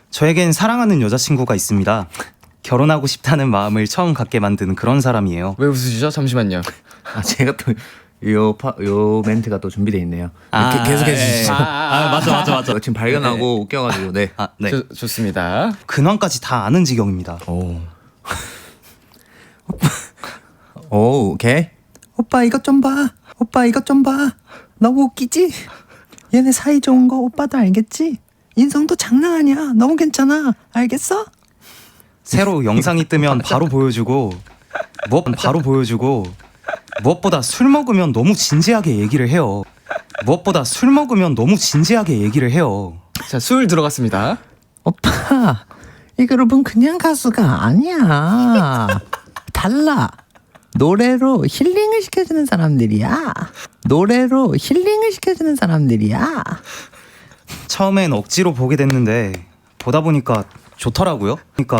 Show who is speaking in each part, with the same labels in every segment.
Speaker 1: 저에겐 사랑하는 여자친구가 있습니다. 결혼하고 싶다는 마음을 처음 갖게 만드는 그런 사람이에요.
Speaker 2: 왜 웃으시죠? 잠시만요.
Speaker 3: 아 제가 또 요 멘트가 또 준비되어 있네요. 계속해 주시죠.
Speaker 1: 맞아.
Speaker 3: 지금 발견하고 웃겨가지고 네.
Speaker 1: 네.
Speaker 2: 좋습니다.
Speaker 1: 근황까지 다 아는 지경입니다.
Speaker 3: 오, 오케이. 오빠 이것 좀 봐. 오빠 이것 좀 봐. 너무 웃기지? 얘네 사이 좋은 거 오빠도 알겠지? 인성도 장난 아니야. 너무 괜찮아. 알겠어?
Speaker 1: 새로 영상이 뜨면 바로 보여주고 무엇보다 술 먹으면 너무 진지하게 얘기를 해요.
Speaker 2: 자, 술 들어갔습니다.
Speaker 3: 오빠 이 그룹은 그냥 가수가 아니야. 달라. 노래로 힐링을 시켜주는 사람들이야.
Speaker 1: 처음엔 억지로 보게 됐는데 보다 보니까 좋더라고요.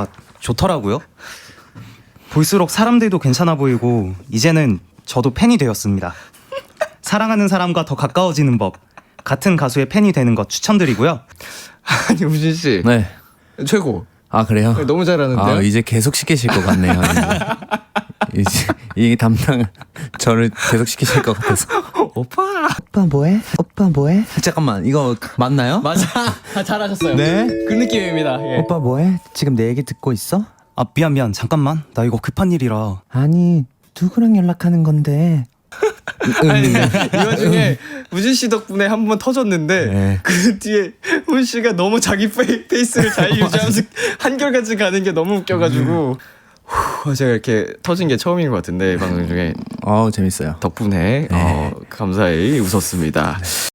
Speaker 1: 볼수록 사람들도 괜찮아 보이고 이제는 저도 팬이 되었습니다. 사랑하는 사람과 더 가까워지는 법, 같은 가수의 팬이 되는 것 추천드리고요.
Speaker 2: 아니, 우진 씨.
Speaker 3: 네.
Speaker 2: 최고.
Speaker 3: 아 그래요?
Speaker 2: 네, 너무 잘하는데요?
Speaker 3: 아 이제 계속 시키실 것 같네요. 이제 이 담당 저를 계속 시키실 것 같아서. 오빠 뭐해? 잠깐만 이거 맞나요?
Speaker 2: 맞아. 잘하셨어요.
Speaker 3: 네.
Speaker 2: 그 느낌입니다. 예.
Speaker 3: 오빠 뭐해? 지금 내 얘기 듣고 있어?
Speaker 1: 아 미안 잠깐만 나 이거 급한 일이라.
Speaker 3: 아니 누구랑 연락하는 건데?
Speaker 2: 아니, 이 와중에 우진 씨 덕분에 한 번 터졌는데
Speaker 3: 네.
Speaker 2: 그 뒤에 훈 씨가 너무 자기 페이스를 잘 유지하면서 한결같이 가는 게 너무 웃겨가지고 제가 이렇게 터진 게 처음인 것 같은데 방송 중에
Speaker 3: 재밌어요.
Speaker 2: 덕분에 감사히 웃었습니다.